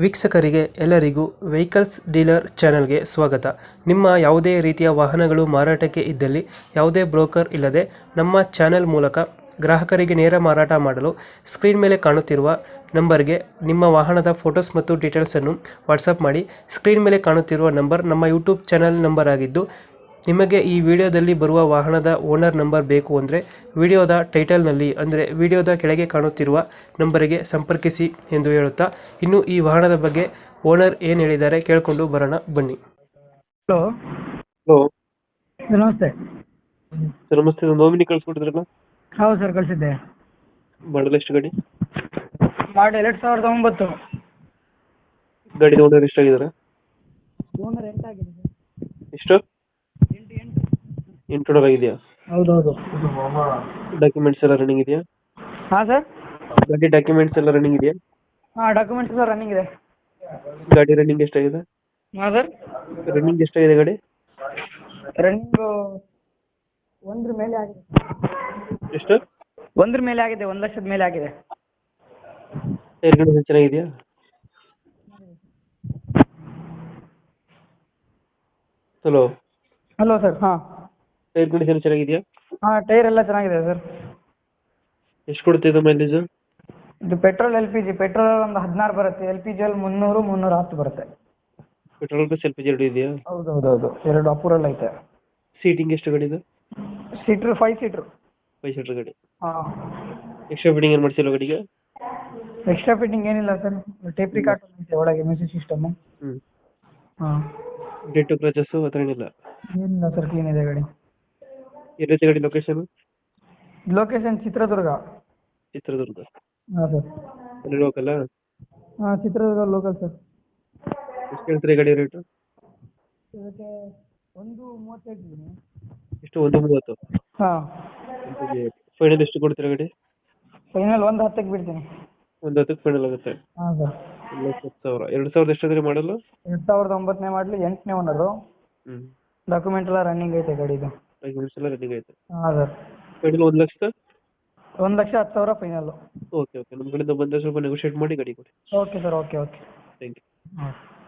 ವೀಕ್ಷಕರಿಗೆ ಎಲ್ಲರಿಗೂ vehicles dealer ಚಾನೆಲ್ಗೆ ಸ್ವಾಗತ. ನಿಮ್ಮ ಯಾವುದೇ ರೀತಿಯ ವಾಹನಗಳು ಮಾರಾಟಕ್ಕೆ ಇದ್ದಲ್ಲಿ ಯಾವುದೇ ಬ್ರೋಕರ್ ಇಲ್ಲದೆ ನಮ್ಮ ಚಾನೆಲ್ ಮೂಲಕ ಗ್ರಾಹಕರಿಗೆ ನೇರ ಮಾರಾಟ ಮಾಡಲು ಸ್ಕ್ರೀನ್ ಮೇಲೆ ಕಾಣುತ್ತಿರುವ ನಂಬರ್ಗೆ ನಿಮ್ಮ ವಾಹನದ ಫೋಟೋಸ್ ಮತ್ತು ಡೀಟೇಲ್ಸನ್ನು ವಾಟ್ಸಪ್ ಮಾಡಿ. ಸ್ಕ್ರೀನ್ ಮೇಲೆ ಕಾಣುತ್ತಿರುವ ನಂಬರ್ ನಮ್ಮ ಯೂಟ್ಯೂಬ್ ಚಾನೆಲ್ ನಂಬರ್ ಆಗಿದ್ದು, ನಿಮಗೆ ಈ ವಿಡಿಯೋದಲ್ಲಿ ಬರುವ ವಾಹನದ ಓನರ್ ನಂಬರ್ ಬೇಕು ಅಂದರೆ ವಿಡಿಯೋದ ಟೈಟಲ್ನಲ್ಲಿ ಅಂದರೆ ವಿಡಿಯೋದ ಕೆಳಗೆ ಕಾಣುತ್ತಿರುವ ನಂಬರಿಗೆ ಸಂಪರ್ಕಿಸಿ ಎಂದು ಹೇಳುತ್ತಾ, ಇನ್ನು ಈ ವಾಹನದ ಬಗ್ಗೆ ಓನರ್ ಏನು ಹೇಳಿದ್ದಾರೆ ಕೇಳಿಕೊಂಡು ಬರೋಣ ಬನ್ನಿ. ಹಲೋ ಹಲೋ ನಮಸ್ತೆ. ಸರ್ ನಮಸ್ತೆ. ನಾಮಿನಿ ಕಳಿಸ್ಕೊಟ್ಟಿದ್ರಲ್ಲ, ಹೌದು ಸರ್, ಕಳಿಸಿದ್ದೆ. ಮಾಡಲ್ ಎಷ್ಟು ಗಾಡಿ? ಮಾಡಿ 2009. ಗಾಡಿ ಓನರ್ ಎಷ್ಟಾಗಿದ್ದಾರೆ? ಓನರ್ 8 ಆಗಿದೆ ಸರ್. ಎಷ್ಟು? 8. ಇಂಟ್ರೋಡರ್ ಆಗಿದೆಯಾ? ಹೌದೌದು. ಡಾಕ್ಯುಮೆಂಟ್ಸ್ ಎಲ್ಲ ರನ್ನಿಂಗ್ ಇದೆಯಾ? ಹಾಂ ಸರ್. ಗಾಡಿ ಡಾಕ್ಯುಮೆಂಟ್ಸ್ ಎಲ್ಲ ರನ್ನಿಂಗ್ ಇದೆಯಾ? ಹಾಂ, ಡಾಕ್ಯುಮೆಂಟ್ಸ್ ಸರ್ ರನ್ನಿಂಗ್ ಇದೆ. ಗಾಡಿ ರನ್ನಿಂಗ್ ಎಷ್ಟಾಗಿದೆ? ಹಾಂ ಸರ್, ರನ್ನಿಂಗ್ ಎಷ್ಟಾಗಿದೆ ಗಾಡಿ? ರನ್ನಿಂಗು 1 ಮೇಲೆ ಆಗಿದೆ. ಎಷ್ಟು? 1 ಮೇಲೆ ಆಗಿದೆ, 1,00,000 ಮೇಲೆ ಆಗಿದೆ. ಟೈರ್ ಕಂಡೀಷನ್ ಚೆನ್ನಾಗಿದೆಯಾ? Hello hello sir. ಹಾಂ ಟೈರ್ ಕಂಡೀಷನ್ ಚೆನ್ನಾಗಿದೆಯಾ? ಹಾಂ, ಟೈರ್ ಎಲ್ಲ ಚೆನ್ನಾಗಿದೆ ಸರ್. ಎಷ್ಟು ಕೊಡುತ್ತೆ ಇದು ಮೈಲೇಜ್? ಇದು ಪೆಟ್ರೋಲ್ LPG. ಪೆಟ್ರೋಲ್ ಒಂದು 16 ಬರುತ್ತೆ, LPG ಅಲ್ಲಿ 300 310 ಬರುತ್ತೆ. Petrol plus L P G ಎರಡು ಇದೆಯಾ? ಹೌದೌದೌದು, 2 ಅಪೂರಲ್ಲಿ ಐತೆ. ಸೀಟಿಂಗ್ ಎಷ್ಟು ಗಾಡಿ ಇದು? Seater 5 seater. 5 ಸೀಟರ್ ಗಾಡಿ. ಹಾಂ. ಎಕ್ಸ್ಟ್ರಾ ಫಿಟ್ಟಿಂಗ್ ಏನು ಮಾಡಿಸಿಲ್ಲ ಗಾಡಿಗೆ? ಎಕ್ಸ್ಟ್ರಾ ಫಿಟ್ಟಿಂಗ್ ಏನಿಲ್ಲ ಸರ್. ಟೇಪ್ ರಿಕಾರ್ಡ್ ಐತೆ ಒಳಗೆ, ಮ್ಯೂಸಿಕ್ ಸಿಸ್ಟಮ್. ಹ್ಞೂ. ಹಾಂ. ಡೆಂಟು ಕ್ರಚಸ್ಸು ಆ ಥರ ಏನಿಲ್ಲ? ಏನಿಲ್ಲ ಸರ್, ಕ್ಲೀನ್ ಇದೆ ಗಾಡಿ. ಎಲ್ಲೈತೆ ಗಾಡಿ ಲೊಕೇಶನ್? ಲೊಕೇಶನ್ ಚಿತ್ರದುರ್ಗ. ಚಿತ್ರದುರ್ಗ. ಹಾಂ ಸರ್. ಅಲ್ಲಿ ಲೋಕಲ್ಲ? ಹಾಂ, ಚಿತ್ರದುರ್ಗ ಲೋಕಲ್ ಸರ್. ಎಷ್ಟು ಹೇಳ್ತೀರಿ ಗಾಡಿ ರೇಟು? ಇದಕ್ಕೆ 1.35 ಇದ್ದೀನಿ. ಎಷ್ಟು? 1.30. ಹಾಂ. ಫೈನಲ್ ಎಷ್ಟು ಕೊಡ್ತೀರಾ ಗಾಡಿ? ಫೈನಲ್ 1.10ಕ್ಕೆ ಬಿಡ್ತೀನಿ. 1.10ಕ್ಕೆ ಫೈನಲ್ ಆಗುತ್ತೆ. ಹಾಂ ಸರ್. 1,10,000. 2000 ಎಷ್ಟಾದ್ರೆ ಮಾಡಲ್ಲ? 2009ನೇ ಮಾಡಲಿ, 8ನೇ ಓನರು. ಹ್ಞೂ. ಡಾಕ್ಯುಮೆಂಟ್ ಎಲ್ಲ ರನ್ನಿಂಗ್ ಐತೆ ಗಾಡಿದು. ಡಾಕ್ಯುಮೆಂಟ್ಸ್ ಎಲ್ಲ ರನ್ನಿಂಗ್ ಐತೆ. ಹಾಂ sir. Final 1,00,000? 1,10,000 final. Okay okay, ನಮ್ಮ ಕಡೆಯಿಂದ ಬಂದರೆ ಸ್ವಲ್ಪ ನೆಗೋಷಿಯೇಟ್ ಮಾಡಿ ಗಾಡಿ ಕೊಡಿ. Okay sir, okay. Thank you. ಹಾಂ.